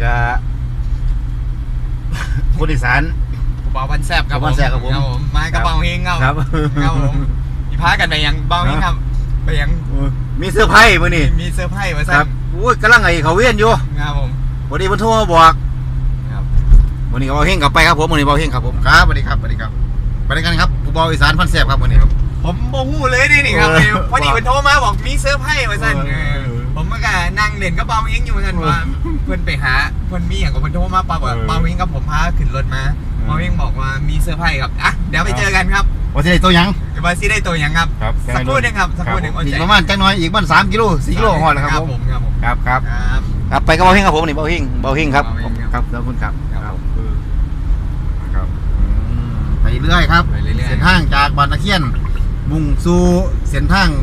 ก็คนอีสานเบาวันแซบครับผมมากระเป๋าเฮงครับครับผมมีพากันไปยังเบาเฮงครับไปยังมีเสื้อไพ่มื้อนี้มีเสื้อไพ่มาสั่งโอ้ยกำลังไอ้เขาเวียนอยู่ครับผมวันนี้เพิ่นโทรมาบอกครับวันนี้เบาเฮงกลับไปครับผมวันนี้เบาเฮงครับผมครับสวัสดีครับสวัสดีครับไปด้วยกันครับผู้เบาอีสานพันแซ่บครับวันนี้ผมโมโหเลยนี่ครับพอดีเพิ่นโทรมาบอกมีเสื้อไพ่มาสั่นผมก็นั่งเล่นกับเบาเฮงอยู่กันว่าเพิ่นไปหาเพิ่นมีอย่างกับเพิ่นโทรมาปั๊บเบาเฮงกับผมพาขึ้นรถมาเบาเฮงบอกว่ามีเสื้อไพ่ครับอ่ะเดี๋ยวไปเจอกันครับว่าสิได้ตัวยังว่าสิได้ตัวยังครับสักครู่นึงครับสักครู่นึงอีกประมาณจังน้อยอีกมัน3 กิโล 4 กิโลฮอดแล้วครับผมครับไปกับเบาเฮงครับผมนี่เบาเฮงครับครับขอบคุณครับไปเรื่อยครับเส้นทางจากบ้านตะเคียนมุ่งสู่เส้นทาง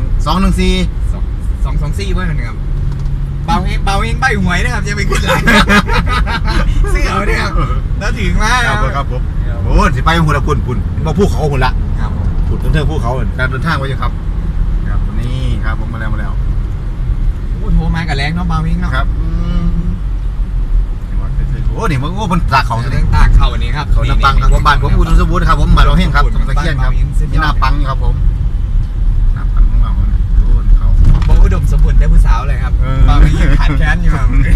224เพื่อนครับเบาเฮงใบหวยนะครับจะไปขึ้นหลังเสื้อเนี่ยครับแล้วถึงมาครับผมโอ้สิไปหุ่นละปุ่นมาภูเขาหุ่นละปุ่นเทิงภูเขาการเดินทางไว้อยู่ครับครับนี่ครับผมมาแล้วโอ้โทรมากับแรงเนาะเบาเฮงเนาะครับโอ้นี่มันโอ้มันตากเขาแรงตากเขานี่ครับเขาหน้าปังครับผมบ้านผมอุดมสมบูรณ์ครับผมมาเราเฮงครับตะเคียนครับมีหน้าปังครับผมหน้าปังของเราดูเขาผมอุดมสมบูรณ์ได้ผู้สาวเลยครับบางทียังขาดแค้นอยู่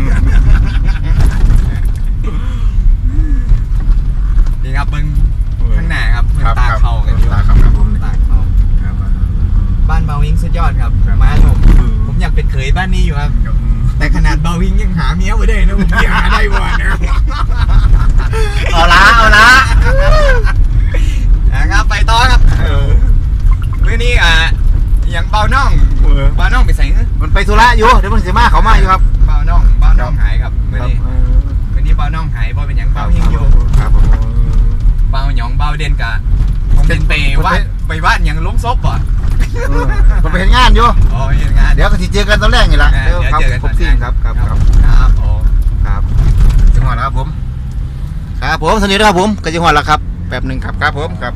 นี่ครับเบิ้งข้างหน้าครับตาเข่ากันอยู่ครับผมตาเข่าบ้านเบาวิงสุดยอดครับมาผมอยากเป็นเขยบ้านนี้อยู่ครับแต่ขนาดเบาวิงยังหาเมียไม่ได้นะผมยังหาได้บ่นะเอาละนะครับไปต่อครับเมื่อนี้อย่างเบาน่องไปใส่มันไปธุระอยู่เดี๋ยวมันเสียมาเขามาอยู่ครับเบาน่องหายครับเมื่อนี้เบาน่องหายเพราะเป็นอย่างเบาเฮงอยู่เบาหยองเบาเด่นกะผมเป็นไปวาดอย่างล้มซบป่ะผมไปเห็นงานอยู่เห็นงานเดี๋ยวก็เจอกันตอนแรกนี่แหละครับผมทีมครับครับจังหวัดครับผมครับผมสนิทครับผมกระจังหวัดแล้วครับแป๊บหนึ่งครับผมครับ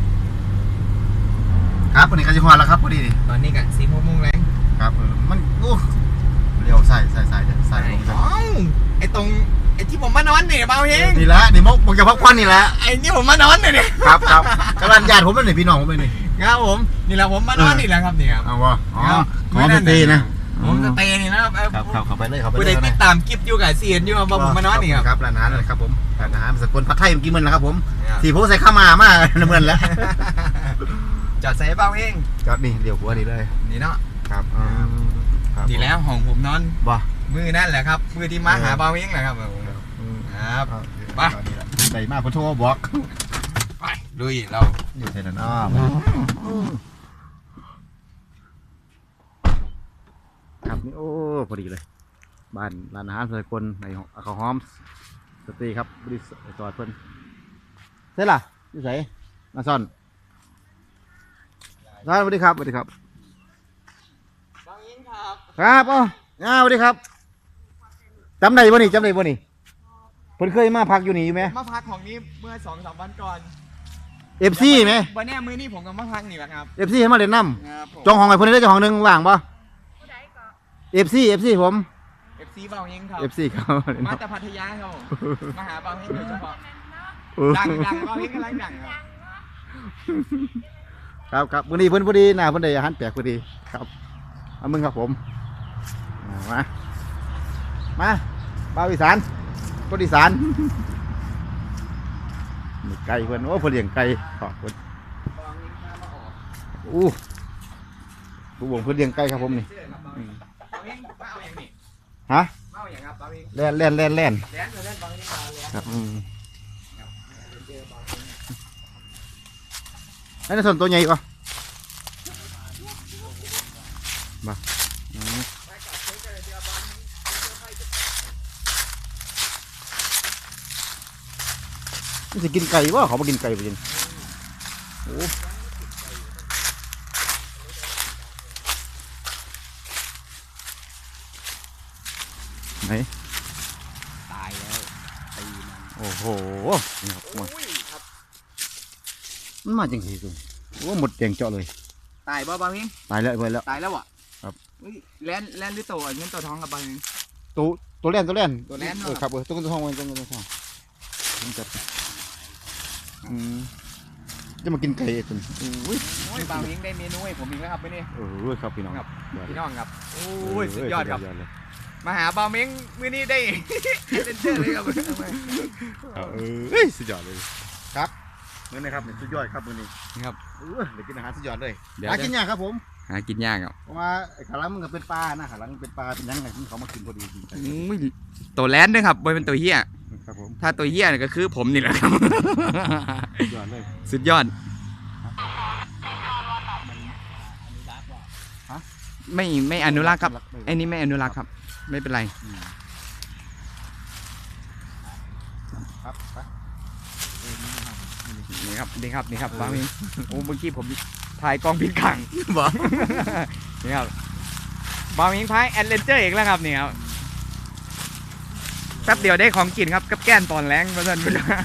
ครับวันนี้กระจังหวัดแล้วครับพอดีตอนนี้กัน4 โมงแรงครับมันเลี้ยวใส่ไอ้ที่ผมมานอนเนี่ยเบาเฮงนี่แหละนี่มกจะพักควันนี่แหละไอ้นี่ผมมานอนเนี่ยครับกำลังญาติผมเป็นพี่น้องผมเป็นนี่ครับผมนี่แหละผมมานอนนี่แหละครับเนี่ยเอาวะขอไปตีนะผมจะเตะนี่นะครับเข้าไปเลยผู้ใดติดตามคลิปอยู่กับเสียนอยู่ว่าผมมานอนนี่ครับร้านอาหารเลยครับผมร้านอาหารสกลผัดไทยเมื่อกี้มันแล้วครับผมสีผมใส่ข้าวมาเหมือนแล้วจอดใส่เบาเฮงจอดนี่เดี๋ยวหัวนี่เลยนี่เนาะครับนี่แล้วห้องผมนอนบ่มือนั่นแหละครับมือที่มาหาเบาเฮงแหละครับครับไปใส่มาพอโทรบอกไปลุยเราอยู่ที่นั่นอ้อครับนี่โอ้พอดีเลยบ้านร้านอาหารสกลในเขาหอมสตรีครับบริษัทจอดเพิ่นเสร็จล่ะนี่ใส่มาซ่อนสวัสดีครับบางยิงครับครับอ๋อสวัสดีครับจำได้บ่นี่เพิ่นเคยมาพักอยู่นี่อยู่ไหมมาพักของนี้เมื่อ2-3 วันก่อน FC ไหมวันนี้มื้อนี้ผมกับมาพักนี่แหละครับ FC ให้มาเล่นน้ำจองห้องไอ้เพิ่นได้จองห้องนึงว่างปะ FC ผม FC เบาเฮงครับ FC เขามาจากพัทยาครับมาหาเบาเฮงโดยเฉพาะดังเบาเฮงกำลังดังครับวันนี้เพิ่นพอดีหน้าเพิ่นได้อาหารแปลกพอดีครับเอามึงครับผมมาเบาอีสานคนอีสานมีไก่เพิ่นโอ้เพิ่นเลี้ยงไก่ขอบคุณผู้บ่งเพิ่นเลี้ยงไก่ครับผมนี่ฮะแล่นครับไอ้นี่ส่วนตัวใหญ่ก่อนมามันจะกินไก่วะเขามากินไก่ไปจริงโอ้ไหนตายแล้วตีมันโอ้โหมันมาจังสิจุ๊โอ้หมดแดงเจาะเลยตายบ่เฮงตายแล้วตายแล้วอ่ะครับแล่นหรือโตเงินโตทองกับเฮงโตตัวแล่นตัวแล่นเนอะครับตัวเงินตัวทองตัวเงินตัวทองผมจัดจะมากินไก่จนอุ้ยโอ้ยบางยิงได้เมนูให้ผมอีกแล้วครับไปนี่ครับพี่น้องครับ พี่น้องครับโอ้ยสุดยอดครับเลยมาหาบาวเม้งมื้อนี้ได้ เล่นเจอเลยครับสุดยอดเลยครับมื้อนี้ครับสุดยอดครับมื้อนี้ครับเดี๋ยวกินอาหารสุดยอดเลยเดี๋ยวหากินยากครับผมหากินยากครับเพราะว่าขาหลังมันก็เป็นปลานะขาหลังเป็นปลาเป็นยังไงที่เขามากินพอดีจริงอุ้ยตัวแลนด้วยครับบอยเป็นตัวเฮียครับผมถ้าตัวเฮียเนี่ยก็คือผมนี่แหละครับสุดยอดเลยสุดยอดไม่อนุรักษ์ครับไอ้นี่ไม่อนุรักษ์ครับ ไม่เป็นไรครับไปนี่ครับบางทีโอ้เมื่อกี้ผมถ่ายกล้องผิดขังบอก นี่ครับบางทีพายแอดเวนเจอร์อีกแล้วครับนี่ครับแป๊บเดียวได้ของกินครับกับแก้นตอนแรงมาสั่นไปเลย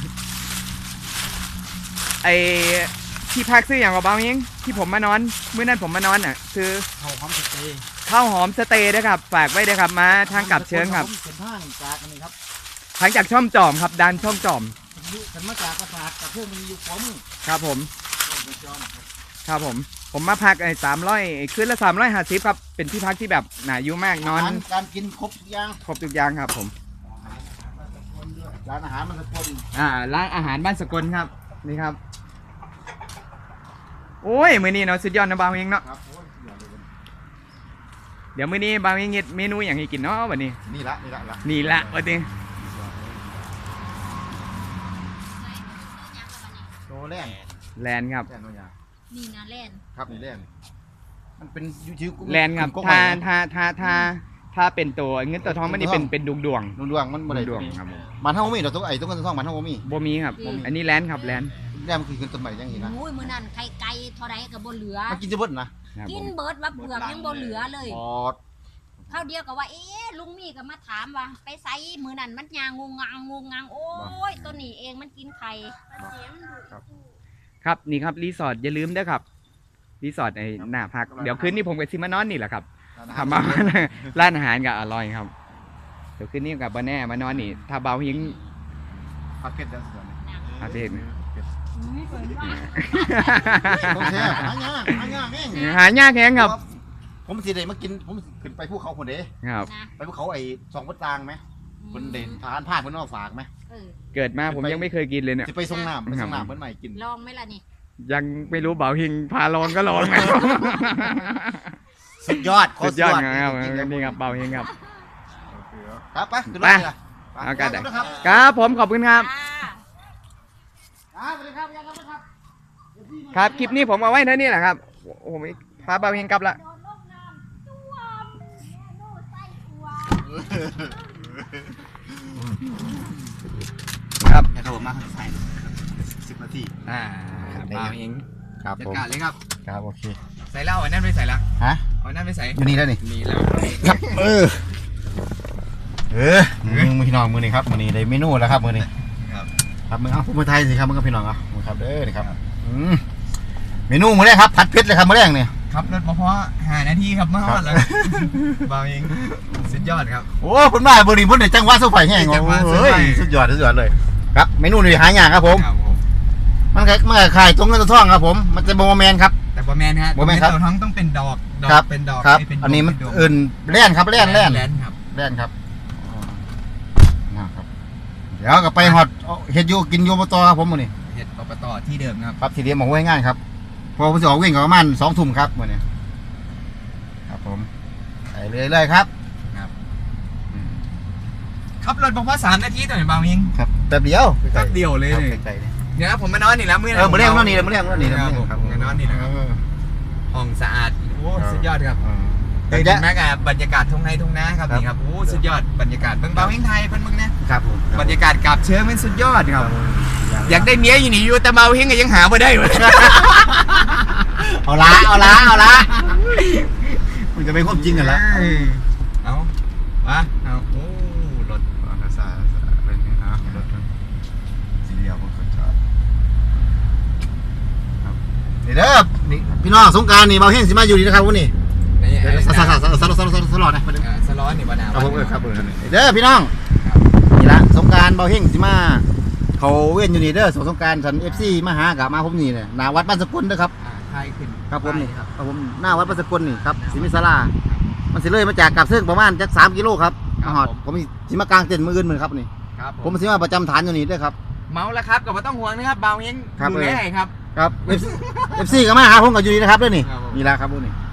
ไอที่พักซื้ออย่างกับบางทีที่ผมมานอนเมื่อนั้นผมมานอนอ่ะคือเขาหอมสเตย์ข้าวหอมสเตย์นะครับฝากไว้ด้วยครับมาทางกลับเชิญครับเป็นทางจากอันนี้ครับทางจากช่องจอมครับดันช่องจอมกันมาจากกระสาดกับเพื่อนมันอยู่ขวามือครับผมจอมครับครับผมมาพัก300คืนละ350ครับเป็นที่พักที่แบบหนาอยู่มากนอนการกินครบทุกอย่างครบทุกอย่างครับผมร้านอาหารมันสกลร้านอาหารบ้านสกลครับนี่ครับโอ้ยมื้อนี้เนาะสุดยอดนะบางเองเนาะครับโอ้ยสุดยอดเลยเดี๋ยวมื้อนี้บางเองเฮ็ดเมนูอย่างให้กินเนาะวันนี้นี่ละนี่ละวันนี้โตแล่นแลนด์ครับแล่นตัวยานี่นะเล่นครับนี่แล่นมันเป็นยูทิวแลนด์ครับถ้าเป็นตัวเงินตัวทองมันนี่เป็นดวงดวงมันบ่ได้ดวงครับผมมันเท่ามีดอกตัวไอ้ตัวเงินตัวทองมันเท่ามีบ่มีครับอันนี้แลนด์ครับแลนด์แล่นมันคือเงินต้นใหม่ยังเห็นนะโอ้ยมือนั่นไข่ไก่เท่าไรกับบนเหลือมันกินจะเบิดนะครับกิผนมเบิดว่าเปลือกยังบนเหลือเลยอ๋อข้าวเดียวกับว่าลุงมีก็มาถามว่าไปไซมือนั่นมันยางงงางโอ้ยตัวนี้เองมันกินไข่ครับนี่ครับรีสอร์ทอย่าลืมเด้อครับรีสอร์ทไอ้หน้าพักเดี๋ยวคืนนี้ผมกับซิมานอนนี่แหละครับทำมา ร้านอาหารก็อร่อยครับเดี๋ยวคืนนี้กับบ้านแน่มานอนนี่ถ้าเบาหิงผัดเผ็ดแล้วสิอาเทศไม่เปิดว่าต้องแช่หายากแม่งหายากแฮงครับผมสิได้มากินผมขึ้นไปภูเขาคนเด้ครับนะไปภูเขาไอ้สองวัดตางไหมคนเด่นทหารผ่านเพิ่นเอาฝากไหมเกิดมาผมยังไม่เคยกินเลยเนี่ยจะไปส่งน้ำเพิ่นใหม่กินลองไหมล่ะนี่ยังไม่รู้เบาหิงพาลองก็ลองนะสุดยอดสุดยอดครับนี่ครับเบาหิงครับครับไปขึ้นรถเลยเอากันครับครับผมขอบคุณครับจ้าสวัสดีครับยังครับครับคลิปนี้ผมเอาไว้เท่านี้แหละครับผมพาเบาหิงกลับละโดนลงน้ำตัวแม่โน่ไส้ตัวครับให้เขาบอกมาใส่10 นาทีเบาหิงครับจัดผมการเลยครับครับโอเคใส่เหล้าอันนั้นไปใส่ละฮะเอาอันนั้นไปใส่อยู่นี่แล้วนี่นี่แล้วครับมึงพี่น้องมือนี่ครับมือนี่ได้เมนูแล้วครับมือนี่ครับครับมึงเอาพูดไทยสิครับมึงกับพี่น้องเอามึงครับเด้อนี่ครับเมนูมื้อแรกครับผัดเผ็ดเลยครับมื้อแรกเนี่ยครับรถมาเพราะ5 นาทีครับมาฮอดแล้วเบาหิงสุดยอดครับโอ้คุณมาบริบุญในจังหวัดสุพรรณแห้งจังหวัดสุพรรณเฮ้ยสุดยอดเลยครับเมนูนี่หายากครับผมครับผมมันขายตรงเงินตัวทองครับผมมันจะโบแมนครับแต่บะแมนฮะบ่แม่นครับตัวท้องต้องเป็นดอกครับเป็นดอกครับไม่เป็นดวงอันนี้มันเป็ดวงอื่นแล่นครับแล่นแลนครับแล่นครับนะครับเดี๋ยวก็ไปหอดเฮ็ดอยู่กินอยู่อบตครับผมมื้อนี้เห็ดปปตที่เดิมครับครับที่เดียวมาไว้ง่ายครับพอผมจะออกวิ่งก็ประมาณ2 ทุ่มครับมื้อนี้ครับผมไปเรื่อยๆครับขับรถมาเพราะ3 นาทีต่อหนึ่งเบาหิงครับแป๊บเดียวแป๊บเดียวเลยครับนี่ใกล้ๆนี่เดี๋ยวนะผมมานอนนี่แล้วมื้อมื้อแรกนอนนี่เลยมื้อแรกนอนนี่เลยครับผมมานอนนี่นะครับห้องสะอาดโอ้สุดยอดครับเดี๋เห็ยวนไหมกับบรรยากาศทุ่งไร่ทุ่งนาครับนี่ครับโอ้สุดยอดบรรยากาศเบิ่งเบาหิงไทยเพิ่นเบิ่งนะครับผมบรรยากาศกาบเชิงมันสุดยอดครับอยากได้เมียอยู่นี่อยู่แต่เบาหิงก็ยังหาบ่ได้เลยเอาละมันจะเป็นความจริงกันละเอาวะเอาโอ้รถสาเป็นไงฮะรถสีเดียวผมก็ชอบครับนี่เด้อนี่พี่น้องสงกรานต์นี่เบาเฮงสิมาอยู่ดีนะครับวันนี้นี่สลอดนะสล็อตวันนี่บ่หนาครับผมวันครับเด้อพี่น้องนี่ละสงกรานต์เบาเฮงสิมาเขาเว้นอยู่นี่เด้อสงกรานต์ฉัน FC มาหากับมาผมนี่เนี่ยหน้าวัดบ้านสกุลเด้อครับไทยขึ้นครับผมนี่ครับครับผมหน้าวัดบ้านสกุลนี่ครับสิมิศาลามันสิเลยมาจากกับซึ่งประมาณจัก3 กิโลครับมาฮอดผมสิมากลางเต็นท์มื้ออื่นมื้อครับนี่ครับผมสิมาประจำฐานอยู่นี่เด้อครับเมาแล้วครับก็บ่ต้องห่วงนะครับเบาเฮงครับดูแลให้ครับครับ FC ก็มาหาผมกับอยู่นี่นะครับเด้อนี่ครับผมนี่ละครับพวกนี้